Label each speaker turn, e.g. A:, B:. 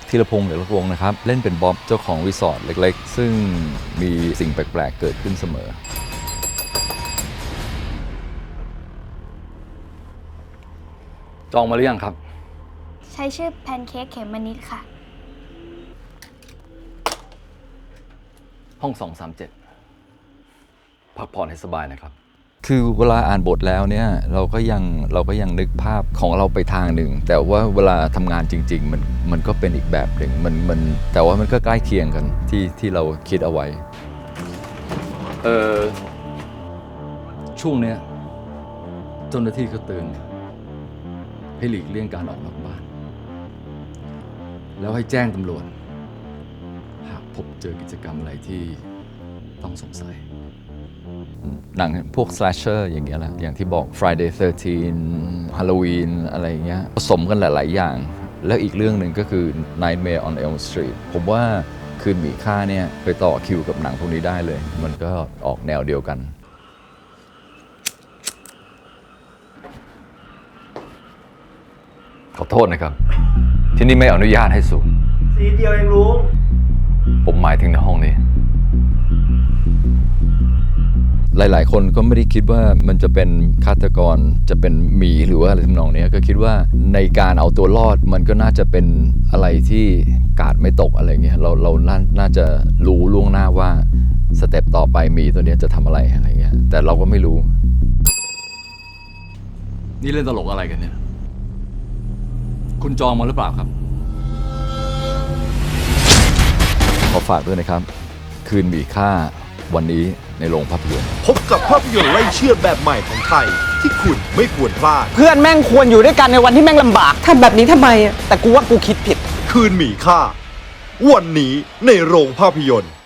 A: ธีรพงษ์เหลือรักวงนะครับเล่นเป็นบ๊อบเจ้าของรีสอร์ทเล็กๆซึ่งมีสิ่งแปลกๆเกิดขึ้นเสมอจองมาหรือยังครับ
B: ใช้ชื่อแพนเค้กเขมมนิดค่ะ
A: ห้อง237พักผ่อนให้สบายนะครับคือเวลาอ่านบทแล้วเนี่ยเราก็ยังนึกภาพของเราไปทางหนึ่งแต่ว่าเวลาทำงานจริงๆมันก็เป็นอีกแบบหนึ่งมันแต่ว่ามันก็ใกล้เคียงกันที่เราคิดเอาไว้ช่วงเนี้ยเจ้าหน้าที่ก็เตือนให้หลีกเลี่ยงการออกนอกบ้านแล้วให้แจ้งตำรวจหากพบเจอกิจกรรมอะไรที่ต้องสงสัยหนังพวก slasher อย่างเงี้ยแหละอย่างที่บอก Friday 13 Halloween อะไรอย่างเงี้ยผสมกันหลายๆอย่างแล้วอีกเรื่องหนึ่งก็คือ Nightmare on Elm Street ผมว่าคืนหมีค่าเนี่ยไปต่อคิวกับหนังพวกนี้ได้เลยมันก็ออกแนวเดียวกันขอโทษนะครับที่นี่ไม่อนุญาตให้สูบ
C: สีเดียวเองลุง
A: ผมหมายถึงในห้องนี้หลายๆคนก็ไม่ได้คิดว่ามันจะเป็นฆาตกรจะเป็นหมีหรือว่าอะไรทำนองนี้ก็คิดว่าในการเอาตัวรอดมันก็น่าจะเป็นอะไรที่กาดไม่ตกอะไรเงี้ยเราน่าจะรู้ล่วงหน้าว่าสเต็ปต่อไปหมีตัวนี้จะทำอะไรเงี้ยแต่เราก็ไม่รู้นี่เล่นตลกอะไรกันเนี่ยคุณจองมาหรือเปล่าครับขอฝากด้วยนะครับคืนหมีค่าวันนี้ในโรงภาพยนตร์
C: พบกับภาพยนตร์ไล่เชือดแบบใหม่ของไทยที่คุณไม่ควรพลาด
D: เพื่อนแม่งควรอยู่ด้วยกันในวันที่แม่งลำบากทำแบบนี้ทำไมแต่กูว่ากูคิดผิด
C: คืนหมีค่าวันนี้ในโรงภาพยนตร์